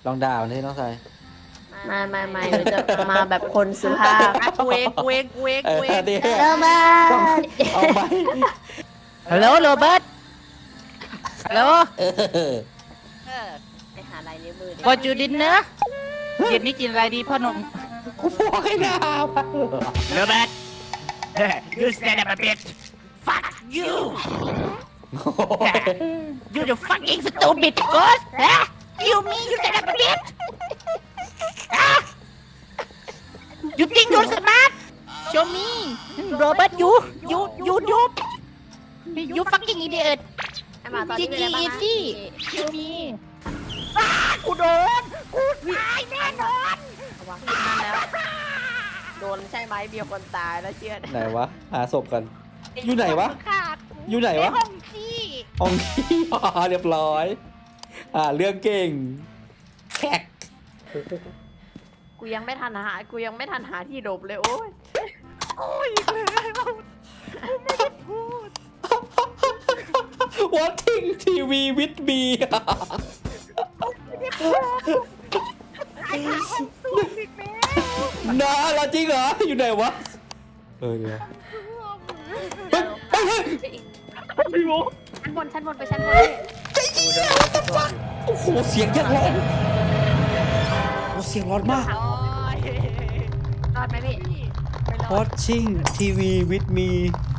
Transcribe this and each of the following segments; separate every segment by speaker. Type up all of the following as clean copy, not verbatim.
Speaker 1: ลองด่ามันให้น้องชาย
Speaker 2: ไม่เราจะมาแบบคนสุภาพ
Speaker 3: กูเองโรเบิร์ต
Speaker 1: เอาไป
Speaker 3: ฮัลโหลโรเบิร์ตฮัลโหล
Speaker 2: ไปหาลายนิ้วมือ
Speaker 3: What you dinner เย็นนี้กินอะไรดีพ่อหนุ่ม
Speaker 1: กูบอกให้ด่ามัน
Speaker 3: โรเบิร์ต you stand up a bit fuck you you the fucking stupid ghost huh you me you stand up a bit huh you think you're smart show me Robert you fucking idiot
Speaker 2: ไอ้หมาตอนนี้เป็นอะไรบ้างนะ
Speaker 3: show me กูโดนกูตายแน่นอน
Speaker 2: ระวังนั่นแล้ว โดนใช่ไหมมีคนตายแล้วเชื่อ
Speaker 1: ไหนวะหาศพกัน อยู่ไหนวะ อยู่ไหนวะ
Speaker 3: ห้องขี้
Speaker 1: ห้องที่เรียบร้อยเรื่องเก่งแขก
Speaker 2: กูยังไม่ทันหาที่หลบเลยโอ้ย
Speaker 3: โอ้ยเลยไม่ได้พูด
Speaker 1: Watching TV with me
Speaker 3: ไอ้ห้องสูงอีกแล้ว
Speaker 1: นะเราจริงเหรอ อยู่ไหนวะ เดี๋ยวเฮ้ย
Speaker 3: พี่โม
Speaker 2: ชั้นบนไปชั้นบน
Speaker 1: โอ้โห เสียงยังร้อนโอ้เสียงร้อนมาก
Speaker 2: รอดไหมพี่ไม่รอด
Speaker 1: Watching TV with me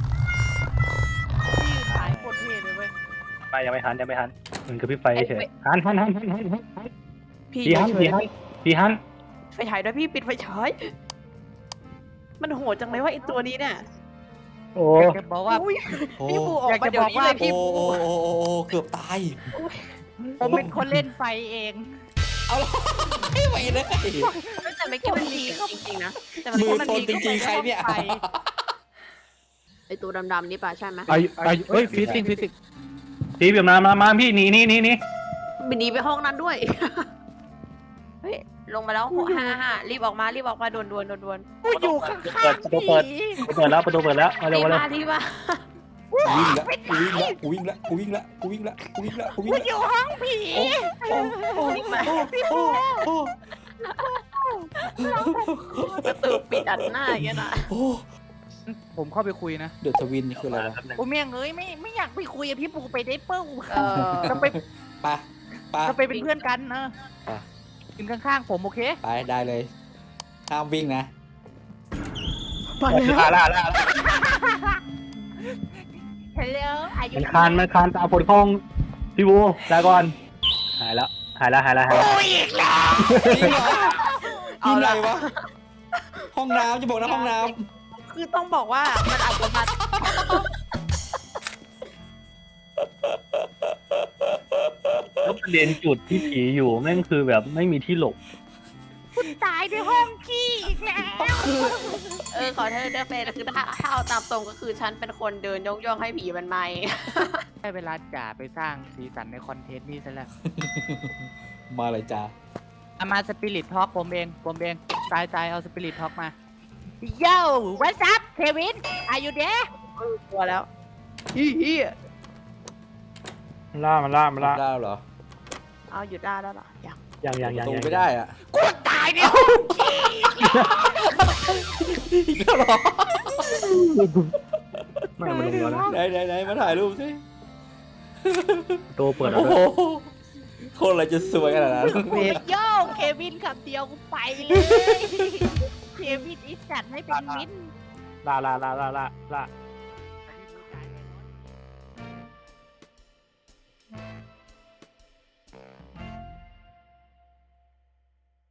Speaker 3: พี่ขายโคตรเท่เลยเว้ย
Speaker 4: ไปยังไม่ทันมันคือพี่ไฟเฉยหัน
Speaker 2: พี่
Speaker 4: พี่ฮัน
Speaker 2: ไฟฉายด้วยพี่ปิดไฟฉายมันโหดจังเลยว่าไอตัวนี้เนี่ย
Speaker 4: โอ้
Speaker 3: อยากจะบอกว่า
Speaker 2: อุ้ย
Speaker 1: โอ้
Speaker 2: พี่บูออกมาเดี๋ยวนี้เลยพี่
Speaker 1: โอ้
Speaker 2: บู
Speaker 1: เกือบตาย
Speaker 3: ผมเป็นคนเล่นไฟเอง
Speaker 1: เอาละไม่ไหวเลย
Speaker 2: แต่ไม่คิดมันดีจริงๆนะแต่
Speaker 1: มือ
Speaker 2: มัน
Speaker 1: ทน
Speaker 2: ดี
Speaker 1: จริงๆ ใครเนี่ย
Speaker 2: ไอตัวดำๆนี่ป่ะใช่ไหม
Speaker 4: เฮ้ยฟิสิกตีแบบมาพี่หนี
Speaker 2: บินหนีไปห้องนั้นด้วยเฮ้ยลงมาแล้วฮ่ารีบออกมาด่วน
Speaker 3: กูอยู่ข้างๆพี่
Speaker 4: เปิดแล้วมาเร็ว
Speaker 2: รีบมา
Speaker 1: กูวิ่งละกูวิ่งละ
Speaker 3: กูอยู่ห้องผี
Speaker 2: รีบมาประตูปิดอัดหน้าอย่างเงี้ยนะ
Speaker 3: ผมเข้าไปคุยนะ
Speaker 1: เดือดทวินนี่คืออะไรวะ
Speaker 3: กูเมียงเอ้ยไม่อยากไปคุยกับพี่ปูไปได้เปิ้ล
Speaker 2: ก็
Speaker 3: จะไปเป็นเพื่อนกันนะกินข้างๆผมโอเค
Speaker 1: ไปได้เลย ห้ามวิ่งนะ
Speaker 4: ล่า
Speaker 3: ฮัลโหลอายุ
Speaker 4: มันคานตาผลคล้องพี่บูลาก่อนหายแล้ว
Speaker 3: โอ้ยอีกแล้ว
Speaker 1: จริงเหรอที่ไหนวะ ห้องน้ำจะบอกนะห้องน้
Speaker 2: คือต้องบอกว่ามันอาจจะมา
Speaker 4: แล้วประเด็นจุดที่ผีอยู่แม่งคือแบบไม่มีที่หลบ
Speaker 3: ตายในห้องขี้อีกแล้ว
Speaker 2: ขอโทษด้วยเฟนคือถ้าเอาตามตรงก็คือฉันเป็นคนเดินย่องให้ผีมันไม่
Speaker 3: ได้เวลาจ่าไปสร้างสีสันในคอนเทนต์นี้ซะแล้ว
Speaker 1: ำมาเลยจ้า
Speaker 3: เอามาสปิริตท็อกผมเองตายเอาสปิริตท็อกมา Yo what's up Kevin are you there
Speaker 2: กลัวแล้วฮี
Speaker 4: ล่ามันล่า
Speaker 1: ได้เหรอ
Speaker 2: เอาหยุดได้แล้วเหรอยัง
Speaker 4: ยัง
Speaker 1: ประตูไม่ได้อ่ะ
Speaker 3: กูตายในห้องขี้
Speaker 1: อีกแล้วเหรอ
Speaker 4: ไม่มาลงแล้วนะ
Speaker 1: ไหนมาถ่ายรูปสิ
Speaker 4: ตัวเปิดแล้ว
Speaker 1: โอ้โหคนอะไรจะสวยขนาดนั้น
Speaker 3: โยเควินคำเดียวกูไปเลย เควินอีสัตว์ให้เป็นมิน
Speaker 4: ล่า